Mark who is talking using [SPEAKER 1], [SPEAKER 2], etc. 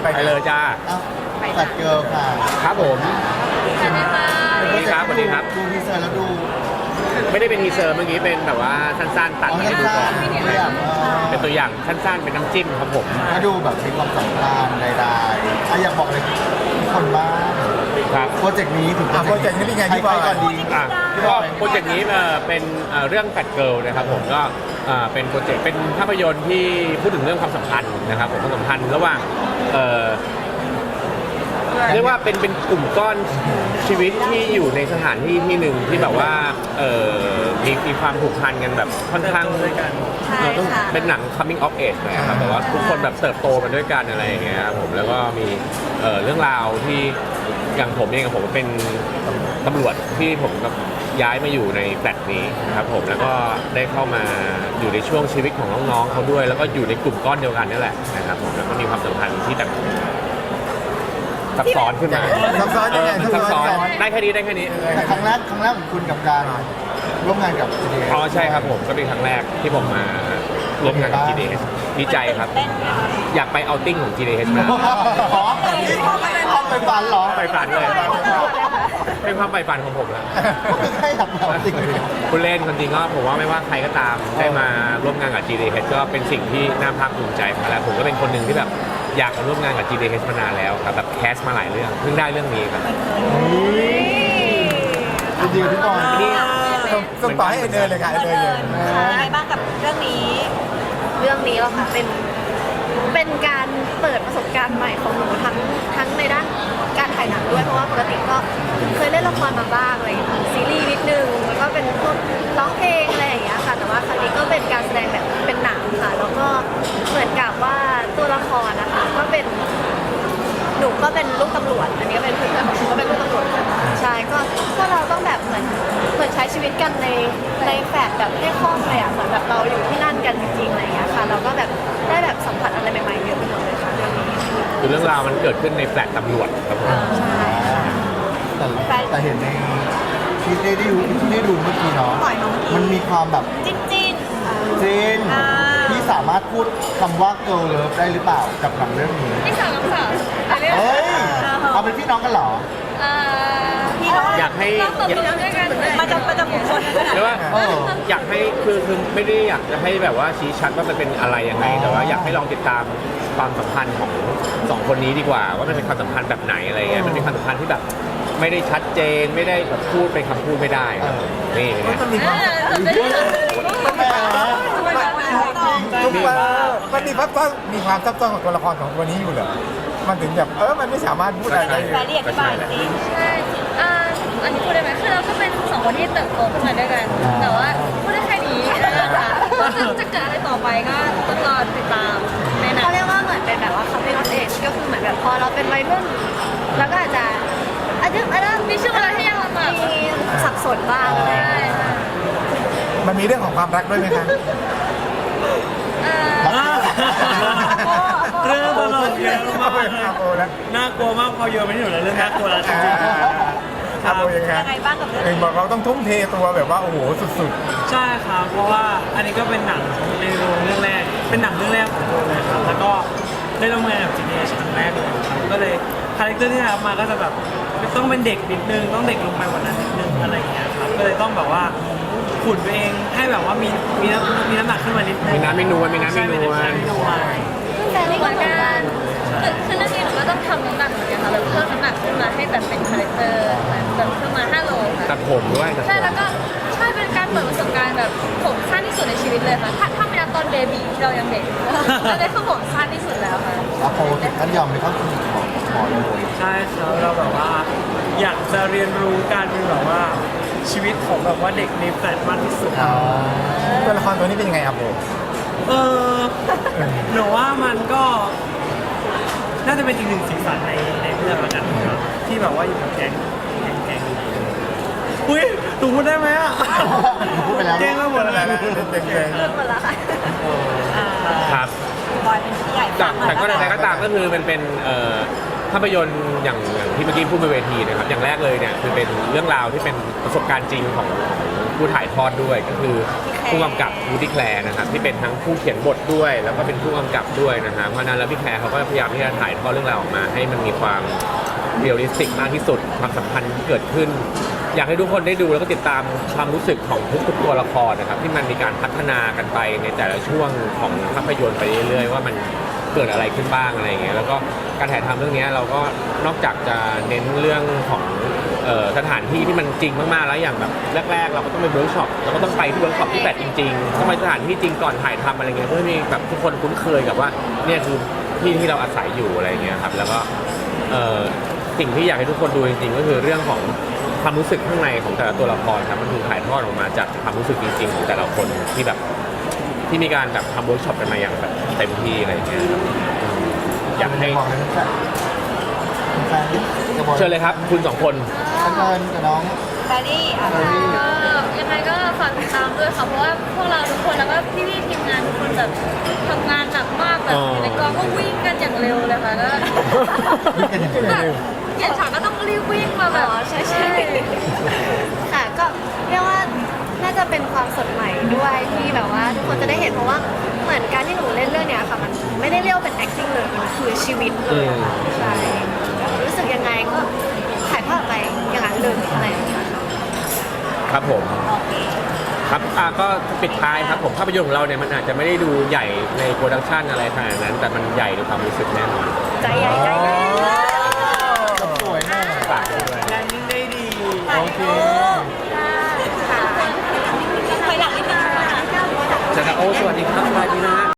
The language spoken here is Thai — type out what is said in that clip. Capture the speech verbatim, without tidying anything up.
[SPEAKER 1] ไปเลยจ้า
[SPEAKER 2] สัตว์เกิร์ลค่ะ
[SPEAKER 1] ครับผม
[SPEAKER 3] สวัสดีค่ะ
[SPEAKER 1] สวัสดีครับสวัสดีครับ
[SPEAKER 2] ดูทีเซอร์แล้วดู
[SPEAKER 1] ไม่ได้เป็นทีเซอร์เมื่อกี้เป็นแบบว่าสั้นๆตัด
[SPEAKER 2] อ๋อ
[SPEAKER 1] มาให้ดูก่อน
[SPEAKER 2] สั้นๆตัวอย่างเออ
[SPEAKER 1] เป็นตัวอย่างสั้นๆเป็นน้ำจิ้มครับผม
[SPEAKER 2] ถ้าดูแบบมีความสัมพันธ์ใดๆอ่ะอยากบอกอะไรทุกคนบ้าง
[SPEAKER 1] ครับ
[SPEAKER 2] โปรเจกต์นี้ถึง
[SPEAKER 4] อ่ะโปรเจกต์นี้เป็นไงพี่
[SPEAKER 2] ใค
[SPEAKER 4] บ
[SPEAKER 2] ร
[SPEAKER 4] อย
[SPEAKER 2] ๆก่อนดี
[SPEAKER 1] อ่ะก็โปรเจกต์นี้เอ่อเป็นเอ่อเรื่องแฟดเกิลนะครับผมก็เอ่อเป็นโปรเจกต์เป็นภาพยนตร์ที่พูดถึงเรื่องความสัมพันธ์นะครับผมความสัมพันธ์ระหว่างเอ่อเรียกว่าเป็นเป็นกลุ่มก้อนชีวิตที่อยู่ในสถานที่ที่หนึ่งที่แบบว่าเอ่อมีมีความผูกพันกันแบบค่อนข้าง
[SPEAKER 3] ใช่
[SPEAKER 1] เอ่อต้อง
[SPEAKER 3] ค่ะ
[SPEAKER 1] เป็นหนัง coming of age หน่อยครับแบบว่าทุกคนแบบเติบโตมาด้วยกันอะไรอย่างเงี้ยครับผมแล้วก็มีเอ่อเรื่องราวที่อย่างผมเองกับผมเป็นตำรวจที่ผมแบบย้ายมาอยู่ในแฟลตนี้นะครับผมแล้วก็ได้เข้ามาอยู่ในช่วงชีวิตของน้องๆเขาด้วย แล้วก็อยู่ในกลุ่มก้อนเดียวกันนี่แหละนะครับผมแล้วก็มีความสัมพันธ์ที่แบบซับซ้อนขึ้นมา
[SPEAKER 4] ซับซ้อนยังไง
[SPEAKER 1] เออซับซ้อนได้แค่นี้ได้แค่นี้
[SPEAKER 2] แต่ครั้งแรกครั้งแรกของคุณกับการร่วมงานกับ จี ดี เอส
[SPEAKER 1] อ๋อใช่ครับผมก็เป็นครั้งแรกที่ผมมาร่วมงานกับ จี ดี เอส ดีใจครับ
[SPEAKER 3] เต้นไหมคะ
[SPEAKER 1] อยากไปเอาติ้งของ จี ดี เอส มา
[SPEAKER 2] อ๋อนี่ห้องไปฝันเหรอ
[SPEAKER 1] ไปฝันเลย เป็นความใฝ่ฝันของผมแล้ว
[SPEAKER 2] ไม่ใช่หรอกเราจริง
[SPEAKER 1] คุณเล่นคนจริงก็ผมว่าไม่ว่าใครก็ตามได้มาร่วมงานกับ จี ดี เอส ก็เป็นสิ่งที่น่าภาคภูมิใจมาแล้วผมก็เป็นคนหนึ่งที่แบบอยากมาร่วมงานกับ จี ดี เอส มานานแล้วครับแบบแคสมาหลายเรื่องเพิ่งได้เรื่องนี้ครับ
[SPEAKER 2] จริงๆพี่บอล
[SPEAKER 1] นี่
[SPEAKER 4] ส่งต่อให้เอเนอร์เลยค่ะเอเนอร์เลย
[SPEAKER 3] ค่ะอะไรบ้างกับเรื่องนี้ เรื่องนี้เหรอคะเป็น เป็นการเปิดประสบการณ์ใหม่ของหนูทั้งทั้งในด้านการถ่ายหนังด้วยเพราะว่าปกติก็เคยเล่นละครมาบ้างอะไรอย่างเงี้ยซีรีส์นิดนึงแล้วก็เป็นพวกร้องเพลงอะไรอย่างเงี้ยค่ะแต่ว่าครั้งนี้ก็เป็นการแสดงแบบเป็นหนังค่ะแล้วก็เหมือนกับว่าตัวละครนะคะก็เป็นหนูก็เป็นลูกตำรวจอันนี้ก็เป็นเพื่อนของหนูก็เป็นลูกตำรวจกันใช่ก็ก็เราต้องแบบเหมือนเหมือนใช้ชีวิตกันในในแฟลตแบบให้คล่องเลยอ่ะเหมือนแบบเราอยู่ที่นั่นกันจริงๆอะไรอย่างเงี้ยค่ะเราก็แบบได้แบบสัมผัสอะไรใหม่ๆเยอะไปหมดเลยค่ะเรื่องนี้
[SPEAKER 1] คือเรื่องราวมันเกิดขึ้นในแฟลตตำรวจครับผม
[SPEAKER 3] ใช่
[SPEAKER 2] แต่แต่เห็นในที่ได้ดูที่ได้ดูเมื่อกี้เนาะมันมีความแบบ
[SPEAKER 3] จิ้นจิ้น
[SPEAKER 2] จริง
[SPEAKER 3] อ่า
[SPEAKER 2] ที่สามารถพูดคำว่า girl love ได้หรือเปล่ากับหนังเรื่องนี้
[SPEAKER 3] พี่สาวน้องสาวอะไร
[SPEAKER 2] เฮ้ยเอาเป็นพี่น้องกันเหรอ
[SPEAKER 3] พี่น้อง
[SPEAKER 1] อยากให้
[SPEAKER 3] น้องกับพี่น้องด้วยกันมาจำประจำบุคคล
[SPEAKER 1] เรียกว่า
[SPEAKER 2] เออ
[SPEAKER 1] อยากให้คือคือไม่ได้อยากจะให้แบบว่าชี้ชัดว่ามันเป็นอะไรยังไงแต่ว่าอยากให้ลองติดตามความสัมพันธ์ของสองคนนี้ดีกว่า ว่ามันเป็นความสัมพันธ์แบบไหนอะไรเงี้ยมันเป็นความสัมพันธ์ที่แบบไม่ได้ชัดเจนไม่ได้แบบพูดเป็นคำพูดไม่ได้ครับนี่เป็นไง
[SPEAKER 4] มันมีความ
[SPEAKER 2] แหม
[SPEAKER 4] ทุกว่ามันมีความซับมีความซับซ้อนของตัวละครของตัวนี้อยู่เหรอมันถึงแบบเออมันไม่สามารถพูดอะไรได้
[SPEAKER 3] แฟนเรียกบ้านจริงใช่อ่าอันนี้พูดได้ไหมคือเราก็เป็นสองคนที่เติบโตขึ้นมาด้วยกัน แต่ว่าพูดได้แค่นี้นะคะจะจะเกิดอะไรต่อไปก็ต้องรอติดตามในหนังเขาเรียกว่าเหมือนเป็นแบบว่า coming of age ก็คือเหมือนแบบพอเราเป็นวัยรุ่นแล้วก็อาจจะอาจจะอาจจะมีช่วงเวลาที่ยังแบบมีสับสนบ้างอะไรอย่างเงี้ย
[SPEAKER 4] มันมีเรื่องของความรักด้วยไหมคะ
[SPEAKER 5] เรื่องตลกเยอะมาก
[SPEAKER 4] อาโปแล้ว
[SPEAKER 5] น่ากลัวมากพอโยนไปที่หนูแล้วเรื่องน่ากลัวแล้วจริง
[SPEAKER 4] อาโปยังไง
[SPEAKER 3] ยังไงบ้างกับเรื่อง
[SPEAKER 4] เองบอกเราต้องทุ่มเทตัวแบบว่าโอ้โหสุด
[SPEAKER 5] ๆใช่ครับเพราะว่าอันนี้ก็เป็นหนังในโรงเรื่องแรก เป็นหนังเรื่องแรกของผมเลยครับแล้วก็ได้ร่วมงานกับ จี ดี เอส ครั้งแรกเลยครับก็เลยคาแรคเตอร์ที่ได้รับมาก็จะแบบต้องเป็นเด็กนิดนึงต้องเด็กลงไปกว่านั้นนิดนึงอะไรอย่างเงี้ยครับก็เลยต้องแบบว่าขุนตัวเองให้แบบว่ามีมีน้ำมีน้ำหนักขึ้นมานิดนึง
[SPEAKER 1] มีน้ำมีนวลมีน้ำมีนวล
[SPEAKER 5] ใช่มีน้ำมีนวล
[SPEAKER 3] แฟนนี่ก็เหมือนกันคือเรื่องนี้หนูก็ต้องทำน้ำหนักเหมือนกันค่ะแบบเพิ่มน้ำหนักขึ้นมาให้แบบเป็นคาแรคเตอร์แบบเพิ่มมาห้าโลค่ะ
[SPEAKER 1] ตัดผมด้วยตัดผ
[SPEAKER 3] ใช่
[SPEAKER 1] ม
[SPEAKER 3] แล้วก็ใช่เป็นการเปิดประสบการณ์แบบผมสั้นที่สุดในชีวิตเลยค่ะถ้าถ้าไม่นับตอนเบบีที่เรายังเด็กอันนี้คือผมสั้นที่สุดแล้วค่ะ
[SPEAKER 2] อาโปถึงขั้นยอมไปเข้าคลินิกของหมอเลย
[SPEAKER 5] ใช่ครับเราแบบว่าอยากจะเรียนรู้การเป็นแบบว่าชีวิตของแบบว่าเด็กในแฟลตมากที่สุด
[SPEAKER 4] ๆตัวละครตัวนี้เป็นยังไงอาโป
[SPEAKER 5] เออหนูว่ามันก็น่าจะเป็นอีกหนึ่งสีสันในในเรื่องละกันครับที่แบบว่าอยู่กับแก๊งแก๊งแก๊งอุ้ยหนูพูดได้ไหมอ่ะ
[SPEAKER 2] พูดไปแล้ว
[SPEAKER 5] แก๊งก็หมดแล้ว
[SPEAKER 4] เด็ก
[SPEAKER 3] เริ่มหมดแล้วค่ะ
[SPEAKER 1] ครับ
[SPEAKER 3] บอยเป็นพี่ใหญ่
[SPEAKER 1] แต่แต่ก็ใดๆก็ตามก็คือมันเป็นเอ่อภาพยนตร์อย่างอย่างที่เมื่อกี้พูดบนเวทีนะครับอย่างแรกเลยเนี่ยคือเป็นเรื่องราวที่เป็นประสบการณ์จริงของของผู้ถ่ายทอดด้วยก็คือผู้กำกับวูดดี้แคลร์นะครับที่เป็นทั้งผู้เขียนบทด้วย แล้วก็เป็นผู้กำกับด้วยนะฮะเพราะฉะนั้นแล้วพี่แคลร์เขาก็พยายามที่จะถ่ายทอดเรื่องราวออกมาให้มันมีความเรียลลิสติกมากที่สุดความสัมพันธ์ที่เกิดขึ้น อยากให้ทุกคนได้ดูแล้วก็ติดตามความรู้สึกของทุกๆตัวละครนะครับที่มันมีการพัฒนากันไปในแต่ละช่วงของภาพยนตร์ไปเรื่อยๆว่ามันเกิดอะไรขึ้นบ้างอะไรอย่างเงี้ยแล้วก็การถ่ายทำเรื่องนี้เราก็นอกจากจะเน้นเรื่องของเอ่อสถานที่ที่มันจริงมากๆแล้วอย่างแบบแรกๆ เราก็ต้องไปเวิร์กช็อปเราก็ต้องไปที่เวิร์กช็อปที่แบบจริงๆต้องไปสถานที่จริงก่อนถ่ายทำอะไรเงี้ยเพื่อให้มีแบบทุกคนคุ้นเคยกับว่าเนี่ยคือที่ที่เราอาศัยอยู่อะไรเงี้ยครับแล้วก็เอ่อสิ่งที่อยากให้ทุกคนดูจริงๆก็คือเรื่องของความรู้สึกข้างในของแต่ละตัวละครครับมันคือถ่ายทอดออกมาจากความรู้สึกจริงๆของแต่ละคนที่แบบที่มีการแบบทำเวิร์กช็อปกันมาอย่างแบบเต็มที่อะไรอย่างเงี้ยครับอยากให้
[SPEAKER 2] บอกเลยแฟนแฟนจะบอก
[SPEAKER 1] เชิญเลยครับคุณสองคน
[SPEAKER 2] แฟนกับน้อง
[SPEAKER 3] แฟรรี่อ่ะ
[SPEAKER 2] แฟรรี่
[SPEAKER 6] ก็ยังไงก็ฝากติดตามด้วยค่ะเพราะว่าพวกเราทุกคนแล้วก็พี่ๆทีมงานทุกคนแบบทำงานหนักมากแบบอยู่ในกองก็วิ่งกันอย่างเร็วเลยค่ะก็
[SPEAKER 2] นี่เป็นยังไง
[SPEAKER 6] แบบเปลี่ยนฉากก็ต้องรีบวิ่งมาแบ
[SPEAKER 3] อ๋
[SPEAKER 6] บ
[SPEAKER 3] อใช่ใช่ค่ะก็เรียกว่าน่าจะเป็นความสดใหม่ด้วยที่แบบว่าทุกคนจะได้เห็นเพราะว่าเหมือนการที่หนูเล่นเรื่องเนี้ยค่ะมันไม่ได้เรียกว่าเป็น acting เลยมันคือชีวิตเลยอะค่ะใช่รู้สึกยังไงก็ถ่ายทอดไปอย่างนั้นเลยอะไรอย่างเงี้ยค่ะ
[SPEAKER 1] ครับผมครับอ่ะก็ปิดท้ายครับผมภาพยนตร์ของเราเนี่ยมันอาจจะไม่ได้ดูใหญ่ในโปรดักชันอะไรขนาดนั้น แต่มันใหญ่ในความรู้สึกแน่นอน
[SPEAKER 3] ใจใหญ่ใจใหญ่
[SPEAKER 2] สวยมาก
[SPEAKER 1] ฝากด้วย
[SPEAKER 5] แลนดิ้งได้ดี
[SPEAKER 2] โอเค
[SPEAKER 3] ค่ะ
[SPEAKER 6] ถอยหลังนิดนึงค่ะ
[SPEAKER 1] จะโอสวัสดีครับสวัสดีนะ